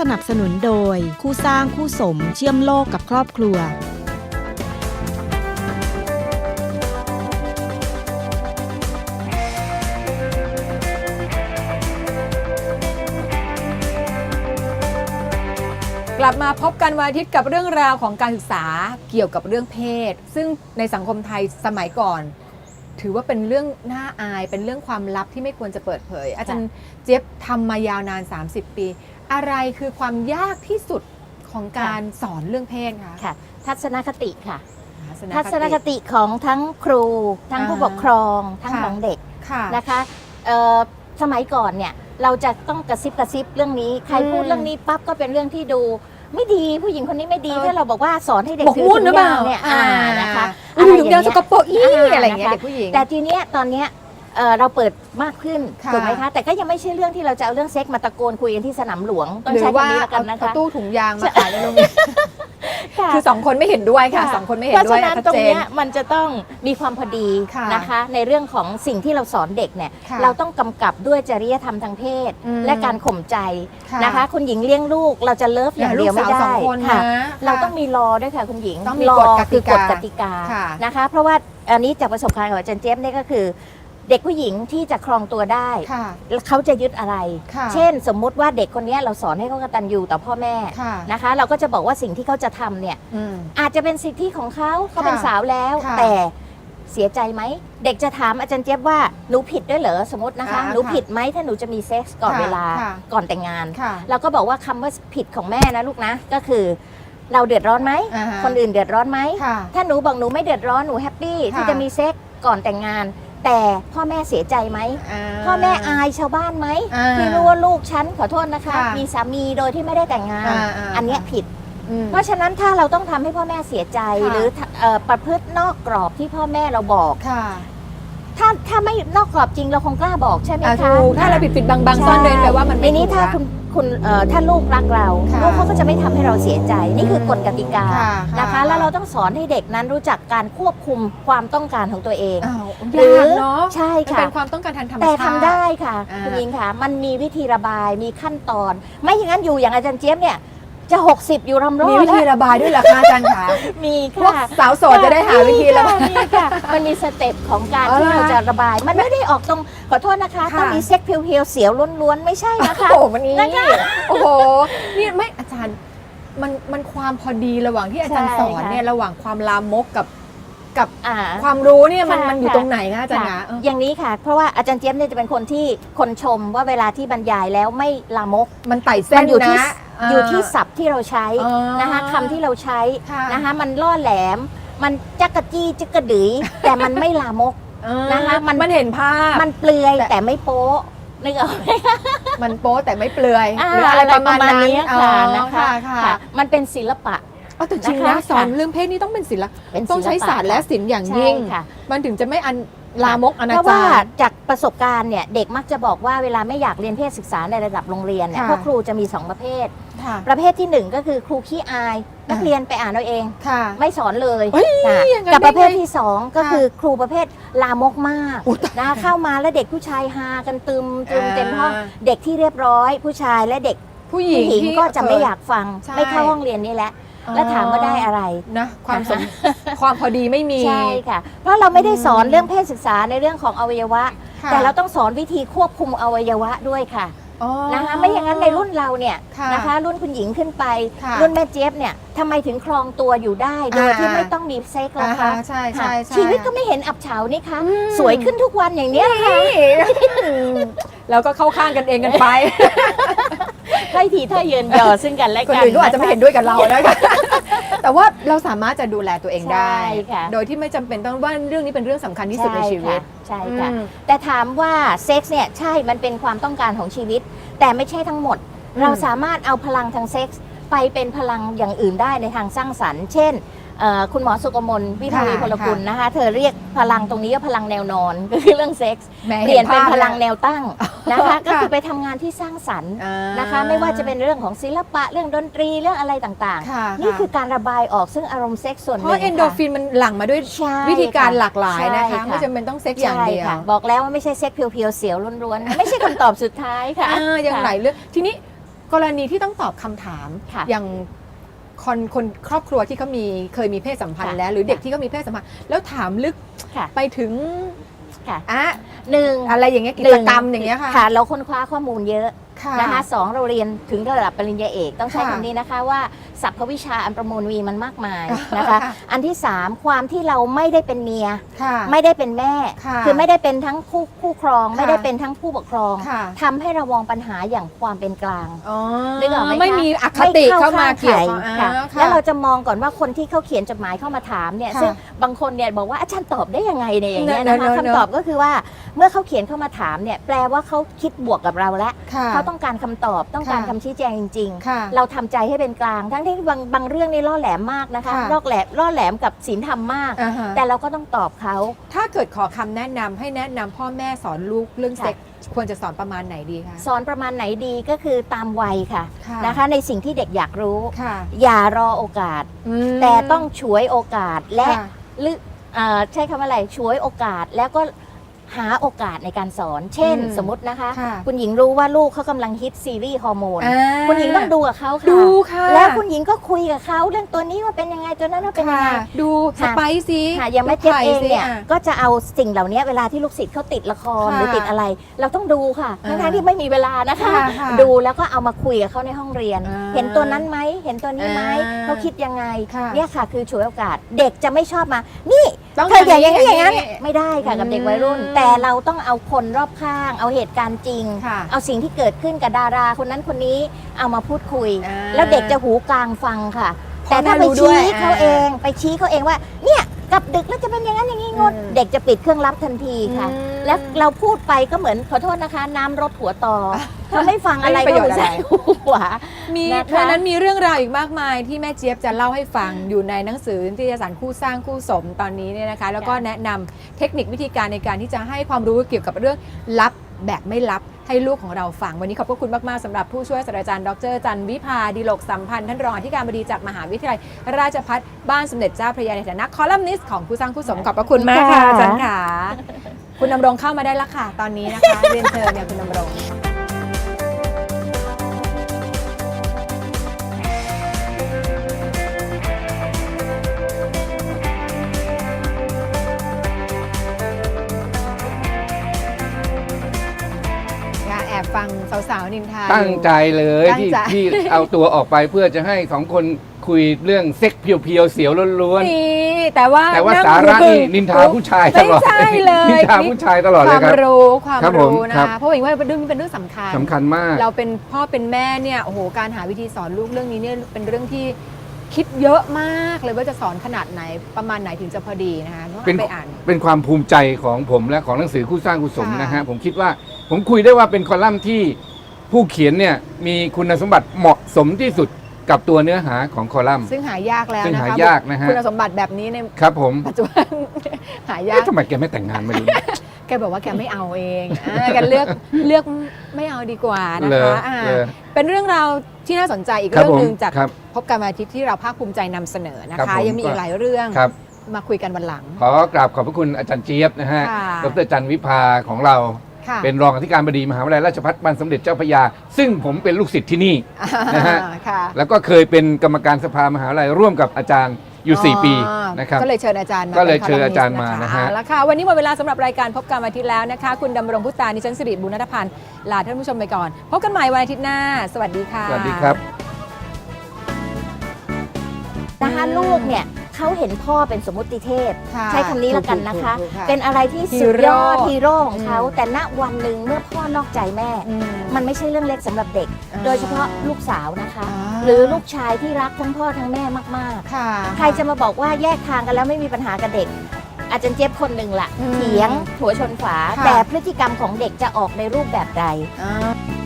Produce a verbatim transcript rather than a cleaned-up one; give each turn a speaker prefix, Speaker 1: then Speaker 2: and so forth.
Speaker 1: สนับสนุนโดยคู่สร้างคู่สมเชื่อมโลกกับครอบครัว
Speaker 2: กลับมาพบกันวันอาทิตย์กับเรื่องราวของการศึกษาเกี่ยวกับเรื่องเพศซึ่งในสังคมไทยสมัยก่อนถือว่าเป็นเรื่องน่าอายเป็นเรื่องความลับที่ไม่ควรจะเปิดเผยอาจารย์เจี๊ยบทำมายาวนานสามสิบปีอะไรคือความยากที่สุดของการสอนเรื่องเพศคะ
Speaker 3: ค่ะทัศนคติค่ะ
Speaker 2: ทั
Speaker 3: ทัศนคติของทั้งครูทั้งผู้ปกครองทั้งของเด็ก
Speaker 2: ค่ะ
Speaker 3: นะคะสมัยก่อนเนี่ยเราจะต้องกระซิบกระซิบเรื่องนี้ใครพูดเรื่องนี้ปั๊บก็เป็นเรื่องที่ดูไม่ดีผู้หญิงคนนี้ไม่ดีถ้าเราบอกว่าสอนให้เด็กถือถุงยางเนี่ยนะคะ
Speaker 2: ถุงยางสกปรกอีอะไรอย่างเงี้ยเด็กผู้หญิง
Speaker 3: แต่ทีเนี้ยตอนเนี้ยเราเปิดมากขึ้นถูกไหมคะแต่ก็ยังไม่ใช่เรื่องที่เราจะเอาเรื่องเซ็กมาตะโกนคุยกันที่สนามหลวงต้องใช้คำนี้ละกันนะคะ
Speaker 2: ตู้ถุงยางมาขายในโรงเรียนคือสองคนไม่เห็นด้วยค่ะสองคนไม่เห็นด้วย
Speaker 3: เพราะฉะนั้นตรงนี้มันจะต้องมีความพอดีนะคะในเรื่องของสิ่งที่เราสอนเด็กเนี่ยเราต้องกำกับด้วยจริยธรรมทางเพศและการข่มใจนะคะคุณหญิงเลี้ยงลูกเราจะเลิฟอย่างเดียวไม่ได้ค่ะเราต้องมีรอด้วยค่ะคุณหญิง
Speaker 2: ต้องมีกฎกติกาก
Speaker 3: ฎติกานะคะเพราะว่าอันนี้จากประสบการณ์ของอาจารย์เจี๊ยบเนี่ยก็คือเด็กผู้หญิงที่จะครองตัวได้เขาจะยึดอะไรเช่นสมมุติว่าเด็กคนนี้เราสอนให้เขากตัญญูต่อพ่อแม่นะคะเราก็จะบอกว่าสิ่งที่เขาจะทำเนี่ยอาจจะเป็นสิทธิของเขาเขาเป็นสาวแล้วแต่เสียใจไหมเด็กจะถามอาจารย์เจี๊ยบว่าหนูผิดด้วยเหรอสมมตินะคะหนูผิดไหมถ้าหนูจะมีเซ็กส์ก่อนเวลาก่อนแต่งงานเราก็บอกว่าคำว่าผิดของแม่นะลูกนะก็คือเราเดือดร้อนไหมคนอื่นเดือดร้อนไหมถ้าหนูบอกหนูไม่เดือดร้อนหนูแฮปปี้ที่จะมีเซ็กส์ก่อนแต่งงานแต่พ่อแม่เสียใจไหมพ่อแม่อายชาวบ้านไหมที่รู้ว่าลูกฉันขอโทษนะคะมีสามีโดยที่ไม่ได้แต่งงานอันนี้ผิดเพราะฉะนั้นถ้าเราต้องทำให้พ่อแม่เสียใจหรือประพฤตินอกกรอบที่พ่อแม่เราบอกถ้าถ้าไม่นอกกรอบจริงเราคงกล้าบอกใช่ไหมคะ
Speaker 2: ถ้าเราปิดปิดบังบังซ่อนเร้นแปลว่ามันไม่
Speaker 3: นี้ถ้าคุณคุณถ้าลูกรักเราลูกเขาก็จะไม่ทำให้เราเสียใจนี่คือกฎกติกานะคะแล้วเราต้องสอนให้เด็กนั้นรู้จักการควบคุมความต้องการของตัวเอง
Speaker 2: หรือ
Speaker 3: ใช่ค่ะ
Speaker 2: เป็นความต้องการทางธรรมชาติ
Speaker 3: แต่ทำได้ค่ะคุณหญิงค่ะมันมีวิธีระบายมีขั้นตอนไม่อย่างนั้นอยู่อย่างอาจารย์เจี๊ยบเนี่ยจะหกสิบอยู่รำรอด
Speaker 2: มีวิธีระบายด้วยเหรอคะอาจารย์คะ
Speaker 3: มีค่ะ
Speaker 2: สาวโสดจะได้หาวิธีระบาย
Speaker 3: มีค่ะมันมีสเต็ปของการที่เราจะระบายมันไม่ได้ออกตรงขอโทษนะคะต้องมีเซ็กเพียวๆเสียวล้วนๆไม่ใช่นะคะ
Speaker 2: โอ้โหมันนี้โอ้โหนี่ไม่อาจารย์มันมันความพอดีระหว่างที่อาจารย์สอนเนี่ยระหว่างความลามกกับกับความรู้เนี่ยมันมันอยู่ตรงไหนคะอาจารย์คะ
Speaker 3: อย่างนี้ค่ะเพราะว่าอาจารย์เจี๊ยบเนี่ยจะเป็นคนที่คนชมว่าเวลาที่บรรยายแล้วไม่ลามก
Speaker 2: มันไต่เส้น
Speaker 3: อยู่ที่อยู่ที่ศัพท์ที่เราใช้นะคะคำที่เราใช้นะคะมันล่อแหลมมันจักกะจี้จักกะดื๋ยแต่มันไม่ลามกนะคะ
Speaker 2: มันมันเห็นภาพ
Speaker 3: มันเปลือยแต่ไม่โป๊นึกออกไหม
Speaker 2: มันโป๊แต่ไม่เปลือยหรืออะไรประมาณนี้
Speaker 3: ค่ะนะคะมันเป็นศิลปะ
Speaker 2: แต่จริงนะสอนเรื่องเพศนี่ต้องเป็นศิลปะต้องใช้ศาสตร์และศิลป์อย่างยิ่งมันถึงจะไม่อันลามกอนาจารเพราะว่า
Speaker 3: จากประสบการณ์เนี่ยเด็กมักจะบอกว่าเวลาไม่อยากเรียนเพศศึกษาในระดับโรงเรียนเนี่ยพวกครูจะมีสองประเภทประเภทที่หนึ่งก็คือครูขี้อายนักเรียนไปอ่านเอาเองไม่สอนเลยกับประเภทที่สองก็คือครูประเภทลามกมากนะเข้ามาแล้วเด็กผู้ชายฮากันตึมตึมเต็มห้องเด็กที่เรียบร้อยผู้ชายและเด็ก
Speaker 2: ผู้หญิง
Speaker 3: ก็จะไม่อยากฟังไม่เข้าห้องเรียนนี่แหละแล้วถามว่าได้อะไร
Speaker 2: นะความสมความพอดีไม่มี
Speaker 3: ใช่ค่ะเพราะเราไม่ได้สอนเรื่องเพศศึกษาในเรื่องของอวัยวะแต่เราต้องสอนวิธีควบคุมอวัยวะด้วยค่ะนะคะไม่อย่างนั้นในรุ่นเราเนี่ยนะคะรุ่นคุณหญิงขึ้นไปรุ่นแม่เจี๊ยบเนี่ยทำไมถึงครองตัวอยู่ได้โดยที่ไม่ต้องมีเซ็กล่ะคะ
Speaker 2: ใช่ใช่
Speaker 3: ชีวิตก็ไม่เห็นอับเฉานี่คะสวยขึ้นทุกวันอย่างนี้ค่ะ
Speaker 2: แล้วก็เข้าข้างกันเองกันไป
Speaker 3: ให้ทีถ้าเยินยอซึ่งกันและกัน
Speaker 2: คนอื่นก็อาจจะไม่เห็นด้วยกับเรานะคะแต่ว่าเราสามารถจะดูแลตัวเองได้โดยที่ไม่จำเป็นต้องว่าเรื่องนี้เป็นเรื่องสำคัญที่สุดในชีวิต
Speaker 3: ใช่ค่ะแต่ถามว่าเซ็กส์เนี่ยใช่มันเป็นความต้องการของชีวิตแต่ไม่ใช่ทั้งหมดเราสามารถเอาพลังทางเซ็กส์ไปเป็นพลังอย่างอื่นได้ในทางสร้างสรรค์เช่นคุณหมอสุกมลวิทวีพลกุลนะคะเธอเรียกพลังตรงนี้ว่าพลังแนวนอนก็คือเรื่องเซ็กส์เปลี่ยนเป็นพลังแนวตั้งนะคะก็คือไปทำงานที่สร้างสรรค์นะคะไม่ว่าจะเป็นเรื่องของศิลปะเรื่องดนตรีเรื่องอะไรต่างๆนี่คือการระบายออกซึ่งอารมณ์เซ็กส์ส่วนหนึ่งเพ
Speaker 2: ราะเอนโดฟินมันหลั่งมาด้วยวิธีการหลากหลายนะคะไม่จำเป็นต้องเซ็กส์อย่างเดียว
Speaker 3: บอกแล้วว่าไม่ใช่เซ็กส์เพียวๆเสียวล้วนๆไม่ใช่คำตอบสุดท้ายค่ะ
Speaker 2: อย่างไหนเรื่องทีนี้กรณีที่ต้องตอบคำถาม
Speaker 3: ค่ะ
Speaker 2: อย่างคนคนครอบครัวที่เขามีเคยมีเพศสัมพันธ์
Speaker 3: ค่ะ
Speaker 2: แล้ว หรือเด็ก
Speaker 3: ค่ะ
Speaker 2: ที่เขามีเพศสัมพันธ์แล้วถามลึก
Speaker 3: ค่ะ
Speaker 2: ไปถึง
Speaker 3: ค่ะ
Speaker 2: อะ
Speaker 3: หนึ่ง
Speaker 2: อะไรอย่างเงี้ยกิจกรรมอย่างเงี้ยค่ะ
Speaker 3: ค่ะเราค้นคว้าข้อมูลเยอะ
Speaker 2: ค่ะ
Speaker 3: นะคะสองเราเรียนถึงระดับปริญญาเอกต้องใช้
Speaker 2: ค่ะ
Speaker 3: คำนี้นะคะว่าสรรพวิชาอันประมูลวีมันมากมาย
Speaker 2: ค่ะ
Speaker 3: นะคะ
Speaker 2: ค่ะ
Speaker 3: อันที่สามความที่เราไม่ได้เป็นเมีย
Speaker 2: ค่ะ
Speaker 3: ไม่ได้เป็นแม่
Speaker 2: ค่ะ
Speaker 3: คือไม่ได้เป็นทั้งคู่คู่ครอง
Speaker 2: ค่ะ
Speaker 3: ไม่ได้เป็นทั้งผู้ปกครอง
Speaker 2: ค่ะ
Speaker 3: ทำให้เรามองปัญหาอย่างความเป็นกลาง
Speaker 2: อ๋อ
Speaker 3: นึกออกไหมคะ
Speaker 2: ไม่มีอคติเข้ามาเกี่ยวข้อง
Speaker 3: ค่ะ
Speaker 2: อ่าค่ะ
Speaker 3: แล้วเราจะมองก่อนว่าคนที่เขาเขียนจดหมายเข้ามาถามเนี่ย
Speaker 2: ค่ะ
Speaker 3: ซึ่งบางคนเนี่ยบอกว่าอาจารย์ตอบได้ยังไงเนี่ยอย่างเงี้ย
Speaker 2: เนอะ
Speaker 3: นะคะ
Speaker 2: เนอะเนอะ
Speaker 3: คำตอบก็คือว่าเมื่อเขาเขียนเข้ามาถามเนี่ยแปลว่าเขาคิดบวกกับเราแล้ว
Speaker 2: ค่ะ
Speaker 3: เขาต้องการคำตอบต้องการ
Speaker 2: ค่ะ
Speaker 3: คำชี้แจงจริง
Speaker 2: ค่ะ
Speaker 3: ๆ เราทำใจให้เป็นกลาง ทั้งที่บางบางเรื่องนี่ล่อแหลมมากนะคะ
Speaker 2: ค่ะ
Speaker 3: ล่อแหลมล่อแหลมกับศีลธรรมมาก
Speaker 2: อ่าฮะ
Speaker 3: แต่เราก็ต้องตอบเขา
Speaker 2: ถ้าเกิดขอคำแนะนำให้แนะนำพ่อแม่สอนลูกเรื่อง
Speaker 3: ค่ะ
Speaker 2: เซ็กส์ควรจะสอนประมาณไหนดีคะ
Speaker 3: สอนประมาณไหนดีก็คือตามวัยค่ะ
Speaker 2: ค่ะ
Speaker 3: นะคะ ในสิ่งที่เด็กอยากรู้
Speaker 2: ค่ะ
Speaker 3: อย่ารอโอกาส
Speaker 2: อืม
Speaker 3: แต่ต้องฉวยโอกาสและ
Speaker 2: ค่ะ
Speaker 3: หรือเอ่อใช้คำว่าอะไรฉวยโอกาสแล้วก็หาโอกาสในการสอน เช่น
Speaker 2: อืม
Speaker 3: สมมตินะคะ
Speaker 2: ค่ะ
Speaker 3: คุณหญิงรู้ว่าลูกเขากำลังฮิตซีรีส์ฮอร์โมน
Speaker 2: อ่า
Speaker 3: คุณหญิงต้องดูกับเขาค่ะ
Speaker 2: ดูค่ะ
Speaker 3: แล้วคุณหญิงก็คุยกับเขาเรื่องตัวนี้ว่าเป็นยังไงตัวนั้นว่าเป็นยัง
Speaker 2: ค่ะ
Speaker 3: ไง
Speaker 2: ดูส
Speaker 3: ค่ะ
Speaker 2: ไปซี่
Speaker 3: ค่ะอย่างแม่เจี๊ยบเองเนี่ย
Speaker 2: อ่ะ
Speaker 3: ก็จะเอาสิ่งเหล่านี้เวลาที่ลูกศิษย์เขาติดละคร
Speaker 2: ค่ะ
Speaker 3: หรือติดอะไร เราต้องดูค่ะ
Speaker 2: อ่า
Speaker 3: ทั้งๆที่ไม่มีเวลานะคะ
Speaker 2: ค่ะค่ะ
Speaker 3: ดูแล้วก็เอามาคุยกับเขาในห้องเรียน
Speaker 2: อ่า
Speaker 3: เห็นตัวนั้นไหมเห็นตัวนี้ไหม
Speaker 2: อ่า
Speaker 3: เขาคิดยังไง
Speaker 2: ค่ะ
Speaker 3: เนี่ยค่ะคือฉวยโอกาสเด็กจะไม่ชอบมา นี่
Speaker 2: ต้อง
Speaker 3: เธออย่าอย่างนี้อย่างนั้น
Speaker 2: นี้
Speaker 3: ไม่ได้ค่ะกับ
Speaker 2: อืม
Speaker 3: เด็กวัยรุ่น แต่เราต้องเอาคนรอบข้าง เอาเหตุการณ์จริง
Speaker 2: ค่ะ
Speaker 3: เอาสิ่งที่เกิดขึ้นกับดาราคนนั้นคนนี้เอามาพูดคุย
Speaker 2: อ่า
Speaker 3: แล้วเด็กจะหูกลางฟังค่ะ
Speaker 2: พ่อ
Speaker 3: แต่ถ้า
Speaker 2: แม่
Speaker 3: ไป
Speaker 2: รู้ด้วย
Speaker 3: ชี้เขา
Speaker 2: อ่า
Speaker 3: เองไปชี้เขาเองว่า เนี่ยกลับดึกแล้วจะเป็นอย่างนั้นอย่างนี้งด
Speaker 2: อืม
Speaker 3: เด็กจะปิดเครื่องรับทันทีค่ะ
Speaker 2: อืม
Speaker 3: แล้วเราพูดไปก็เหมือนขอโทษนะคะ น้ำรดหัวต่อเขาไม่ฟังอะไร
Speaker 2: ไม่มีประโยชน์
Speaker 3: ก็
Speaker 2: อะไร
Speaker 3: ใส่หูขวา
Speaker 2: มี
Speaker 3: นะคะ
Speaker 2: เพราะฉะนั้นมีเรื่องราวอีกมากมายที่แม่เจี๊ยบจะเล่าให้ฟังอยู่ในหนังสือนิตยสารคู่สร้างคู่สมตอนนี้เนี่ยนะคะ แล้วก็แนะนำเทคนิควิธีการในการที่จะให้ความรู้เกี่ยวกับเรื่องลับแบบไม่ลับให้ลูกของเราฟังวันนี้ขอบพระคุณมากๆสำหรับผู้ช่วยศาสตราจารย์ดรจันวิภาดิโลกสัมพันธ์ท่านรองอธิการบดีจากมหาวิทยาลัยราชภัฏบ้านสมเด็จเจ้าพระยาในฐานะคอลัมนิสต์ของคู่สร้างคู่สมขอบพระคุณมากค่ะอาจารย์ค่ะคุณดำรงเข้ามาได้แล้วค่ะตอนนี้นะคะเรียนเชิญเนี่ยคุณดำรง อย่าแอบฟังสาวๆนินทา
Speaker 4: ตั้งใจเลย
Speaker 2: ตั้ง
Speaker 4: ที่
Speaker 2: ใจ
Speaker 4: ที่เอาตัวออกไปเพื่อจะให้สองคนคุยเรื่องเซ็กเพียวๆเสียวล้วน
Speaker 2: นี่แต่ว่า
Speaker 4: ๆแต่ว่า
Speaker 2: นั่ง
Speaker 4: สาระ
Speaker 2: ดู
Speaker 4: นี่นินทาผู้ชายตลอด
Speaker 2: ไม่ใช่เลย
Speaker 4: นินทาผู้ชายตลอด
Speaker 2: ค
Speaker 4: เล
Speaker 2: วาย ม
Speaker 4: ครับ
Speaker 2: รู้ความ
Speaker 4: ครับผม
Speaker 2: รู้นะครับ เพราะอย่างว่าเป็นเรื่องนี้เป็นเรื่องสำคัญ
Speaker 4: สำคัญมาก
Speaker 2: เราเป็นพ่อเป็นแม่เนี่ยโอ้โหการหาวิธีสอนลูกเรื่องนี้เนี่ยเป็นเรื่องที่คิดเยอะมากเลยว่าจะสอนขนาดไหนประมาณไหนถึงจะพอดีนะคะต้อง
Speaker 4: เป็น
Speaker 2: ไปอ่าน
Speaker 4: เป็นความภูมิใจของผมและของหนังสือคู่สร้างคู่สม
Speaker 2: ค่ะ
Speaker 4: นะฮะผมคิดว่าผมคุยได้ว่าเป็นคอลัมน์ที่ผู้เขียนเนี่ยมีคุณสมบัติเหมาะสมที่สุดกับตัวเนื้อหาของคอลัมน์
Speaker 2: ซึ่งหายากแล้ว
Speaker 4: ซึ่ง
Speaker 2: นะ
Speaker 4: หา
Speaker 2: คะ
Speaker 4: ยากนะฮะ
Speaker 2: คุณสมบัติแบบนี้ใน
Speaker 4: ครับผม
Speaker 2: ปัจจุบัน หายาก
Speaker 4: เอ๊ะทำไมแกไม่แต่งงานไม่รู้
Speaker 2: แกบอกว่าแกไม่เอาเองอ่าแกเลือกเลือกไม่เอาดีกว่านะ
Speaker 4: เล
Speaker 2: คะ
Speaker 4: ย
Speaker 2: อ่า
Speaker 4: เลย
Speaker 2: เป็นเรื่องราวที่น่าสนใจอีก
Speaker 4: ครับ
Speaker 2: เรื่องหนึ่ง
Speaker 4: ผม
Speaker 2: จาก
Speaker 4: ครับ
Speaker 2: พบกันวันอาทิตย์ที่เราภาคภูมิใจนำเสนอนะ
Speaker 4: ครั
Speaker 2: คะ
Speaker 4: บผม
Speaker 2: ยังมีอีกหลายเรื่อง
Speaker 4: ครับ
Speaker 2: มาคุยกันวันหลัง
Speaker 4: ขอกราบขอบพระคุณอาจารย์เจี๊ยบนะฮะ
Speaker 2: ค่ะ
Speaker 4: ดรจันวิภาของเรา
Speaker 2: ค่ะ
Speaker 4: เป็นรองอธิการบดีมหาวิทยาลัยราชภัฏบ้านสมเด็จเจ้าพระยา ซึ่งผมเป็นลูกศิษย์ที่นี่ นะฮะ
Speaker 2: อ่าค่ะ
Speaker 4: แล้วก็เคยเป็นกรรมการสภามหาวิทยาลัยร่วมกับอาจารย์อยู่ สี่ ปี
Speaker 2: อ๋อ
Speaker 4: นะครับ
Speaker 2: ก็เลยเชิญอาจารย์มา
Speaker 4: ก็เลย
Speaker 2: ป็น
Speaker 4: เชิญอาจารย์
Speaker 2: คลั
Speaker 4: มา
Speaker 2: นิสต์
Speaker 4: นะฮะ
Speaker 2: แล้วค่ะวันนี้หมดเวลาสำหรับรายการพบกันวันอาทิตย์แล้วนะคะ คุณดำรงพุตานิชันสิริบุญนัทพันธ์ลาท่านผู้ชมไปก่อน พบกันใหม่วันอาทิตย์หน้า สวัสดีค่ะ
Speaker 4: สวัสดีครับ
Speaker 3: นะคะลูกเนี่ยเขาเห็นพ่อเป็นสมมติเทพ
Speaker 2: ค่ะ
Speaker 3: ใช้คำนี้แล้วกันนะคะ
Speaker 2: ถูกๆๆ
Speaker 3: เป็นอะไรที่สุดยอด
Speaker 2: ฮี
Speaker 3: ฮี
Speaker 2: โร่
Speaker 3: โร่ของเขา
Speaker 2: อืม
Speaker 3: แต่ณวันหนึ่งเมื่อพ่อนอกใจแม่
Speaker 2: อืม
Speaker 3: มันไม่ใช่เรื่องเล็กสำหรับเด็ก
Speaker 2: อ่า
Speaker 3: โดยเฉพาะลูกสาวนะคะ
Speaker 2: อ่า
Speaker 3: หรือลูกชายที่รักทั้งพ่อทั้งแม่มาก
Speaker 2: ค่ะ
Speaker 3: ๆ ใครจะมาบอกว่าแยกทางกันแล้วไม่มีปัญหากับเด็ก อาจารย์เจี๊ยบคนหนึ่งละ
Speaker 2: อืม
Speaker 3: เถียงหัวชนฝา
Speaker 2: ค่ะ
Speaker 3: แต่พฤติกรรมของเด็กจะออกในรูปแบบใด
Speaker 2: อ่า